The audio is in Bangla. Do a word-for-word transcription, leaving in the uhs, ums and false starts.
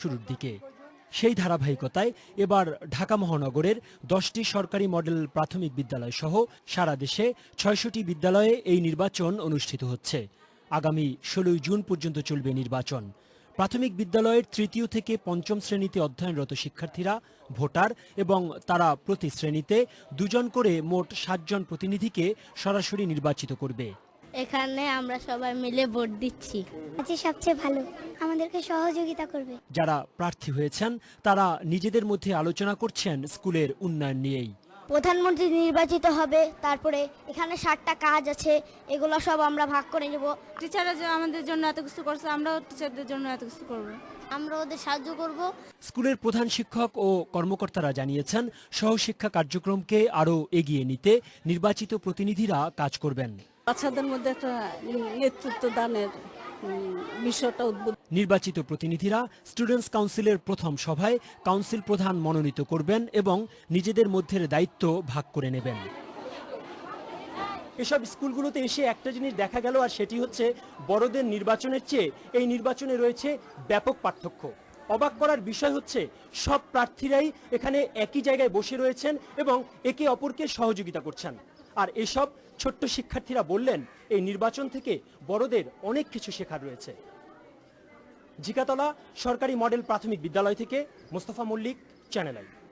শুরুর দিকে। সেই ধারাবাহিকতায় এবার ঢাকা মহানগরের দশটি সরকারি মডেল প্রাথমিক বিদ্যালয় সহ সারা দেশে ছয়শটি বিদ্যালয়ে এই নির্বাচন অনুষ্ঠিত হচ্ছে। আগামী ষোলোই জুন পর্যন্ত চলবে নির্বাচন। প্রাথমিক বিদ্যালয়ের তৃতীয় থেকে পঞ্চম শ্রেণীতে অধ্যয়নরত শিক্ষার্থীরা ভোটার এবং তারা প্রতি শ্রেণীতে দুজন করে মোট সাতজন প্রতিনিধিকে সরাসরি নির্বাচিত করবে। এখানে আমরা সবাই মিলে ভোট দিচ্ছি। আজকে সবচেয়ে ভালো, আমাদেরকে সহযোগিতা করবে। যারা প্রার্থী হয়েছেন তারা নিজেদের মধ্যে আলোচনা করছেন স্কুলের উন্নয়ন নিয়েই। প্রধানমন্ত্রী নির্বাচিত হবে, তারপরে এখানে ষাটটা কাজ আছে, এগুলো সব আমরা ভাগ করে নেব। টিচাররা যে আমাদের জন্য এত কিছু করছে, আমরাও টিচারদের জন্য এত কিছু করব। আমরা ওদের সাহায্য করব। স্কুলের প্রধান শিক্ষক ও কর্মকর্তারা জানিয়েছেন সহশিক্ষা কার্যক্রমকে আরও এগিয়ে নিতে নির্বাচিত প্রতিনিধিরা কাজ করবেন। বাচ্চাদের মধ্যে একটা নেতৃত্ব দানের বিষয়টা উদ্বুদ্ধ। নির্বাচিত প্রতিনিধিরা স্টুডেন্টস কাউন্সিলের প্রথম সভায় কাউন্সিল প্রধান মনোনীত করবেন এবং নিজেদের মধ্যে দায়িত্ব ভাগ করে নেবেন। এসব স্কুলগুলোতে এসে একটা জিনিস দেখা গেল, আর সেটি হচ্ছে বড়দের নির্বাচনের চেয়ে এই নির্বাচনে রয়েছে ব্যাপক পার্থক্য। অবাক করার বিষয় হচ্ছে সব প্রার্থীরাই এখানে একই জায়গায় বসে রয়েছেন এবং একে অপরকে সহযোগিতা করছেন। আর এসব ছোট্ট শিক্ষার্থীরা বললেন এই নির্বাচন থেকে বড়দের অনেক কিছু শেখার রয়েছে। জিকাতলা সরকারি মডেল প্রাথমিক বিদ্যালয় থেকে মোস্তফা মল্লিক, চ্যানেল আই।